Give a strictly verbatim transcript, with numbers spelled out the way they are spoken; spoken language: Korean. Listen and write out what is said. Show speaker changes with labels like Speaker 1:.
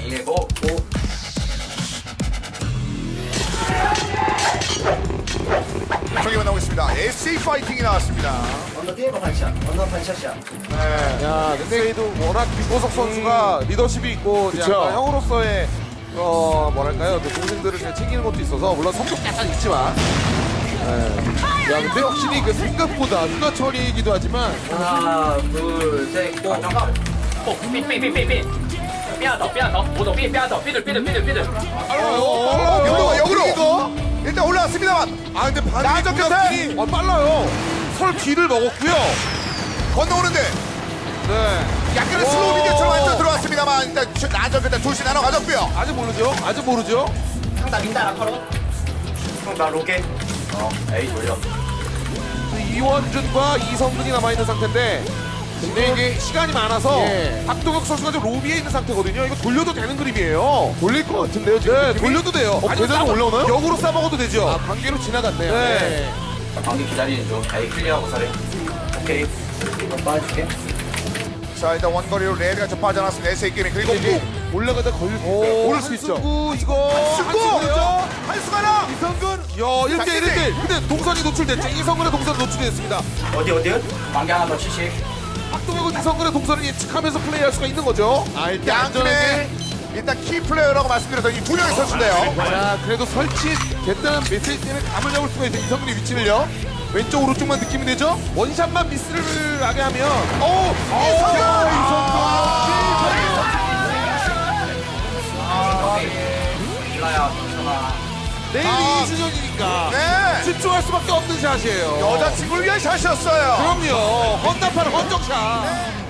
Speaker 1: 이해고 고.
Speaker 2: 경기가 나오고 있습니다. 에스에이 파이팅이 나왔습니다.
Speaker 3: 언더 게이머 반샷, 언더 반샷이야.
Speaker 2: 네.
Speaker 4: 야, 근데도 워낙 김보석 선수가 리더십이 있고
Speaker 2: 그쵸.
Speaker 4: 약간 형으로서의 어 뭐랄까요, 그 동생들을 잘 챙기는 것도 있어서 물론 성격 약간 있지만. 예. 야, 근데 확실히 그 생각보다 누가 처리이기도 하지만
Speaker 1: 하나, 둘, 셋, 고.
Speaker 5: 어, 삐, 삐, 삐, 삐, 삐. 삐아더, 삐아더. 오더, 삐, 삐아더. 삐들, 삐들, 삐들, 삐들.
Speaker 4: 빨라요.
Speaker 2: 어,
Speaker 4: 빨라요.
Speaker 2: 역으로, 역으로.
Speaker 4: 이거?
Speaker 2: 일단 올라왔습니다만
Speaker 4: 아, 근데
Speaker 2: 나저
Speaker 4: 반대쪽
Speaker 2: 끝에!
Speaker 4: 어, 빨라요. 설 뒤를 먹었고요.
Speaker 2: 건너오는데
Speaker 4: 네.
Speaker 2: 약간의
Speaker 4: 오.
Speaker 2: 슬로우 비디오처럼 완전 들어왔습니다만 일단 나저 끝에 둘씩 나눠 가졌고요.
Speaker 4: 아직 모르죠. 아직 모르죠.
Speaker 5: 상다 민다, 라커로.
Speaker 1: 나 로게. 어, 에이 돌려.
Speaker 4: 이원준과 이성근이 남아있는 상태인데 근데 이게 시간이 많아서
Speaker 2: 예.
Speaker 4: 박동혁 선수가 지금 로비에 있는 상태거든요. 이거 돌려도 되는 그림이에요.
Speaker 2: 돌릴 것 같은데요 지금.
Speaker 4: 네,
Speaker 2: 느낌이?
Speaker 4: 돌려도 돼요.
Speaker 2: 어,
Speaker 4: 아니면
Speaker 2: 계단으로
Speaker 4: 싸먹-
Speaker 2: 올라오나요?
Speaker 4: 역으로 싸먹어도 되죠.
Speaker 2: 아, 관계로 지나갔네요.
Speaker 4: 네.
Speaker 1: 방귀 기다리는 중. 에이 클리어하고 서래. 오케이.
Speaker 3: 이거 빠질게.
Speaker 2: 자 일단 원거리로 레드가 좀 빠져나왔습니다. 에스에이 게임 그리고
Speaker 4: 이게
Speaker 2: 무
Speaker 4: 올라가다 걸릴 수
Speaker 2: 오,
Speaker 4: 있어요.
Speaker 2: 오를 수 있죠.
Speaker 4: 한승구 이거
Speaker 2: 승구!
Speaker 4: 한승구죠?
Speaker 2: 한수가나!
Speaker 4: 이성근 야 일 대 일 대 일 근데 동선이 노출됐죠. 이성근의 동선이 노출됐습니다.
Speaker 1: 어디 어디요? 방귀 하나 더 칠십.
Speaker 4: 박동혁은 이성근의 동선을 예측하면서 플레이할 수가 있는 거죠. 아 일단
Speaker 2: 양팀의 일단 키 플레이어라고 말씀드렸던 이 두 명의 선수인데요.
Speaker 4: 자 그래도 설치됐다는 메시지 때문에 감을 잡을 수가 있어요. 이성근의 위치를요. 왼쪽 오른쪽만 느낌이 되죠? 원샷만 미스를 하게 하면 오!
Speaker 2: 이성근!
Speaker 1: 일라야, 괜찮아.
Speaker 4: 내일
Speaker 2: 아.
Speaker 4: 이 주년이니까
Speaker 2: 네!
Speaker 4: 집중할 수밖에 없는 샷이에요.
Speaker 2: 여자친구를 위한 샷이었어요.
Speaker 4: 그럼요. 헌납하는 헌정샷.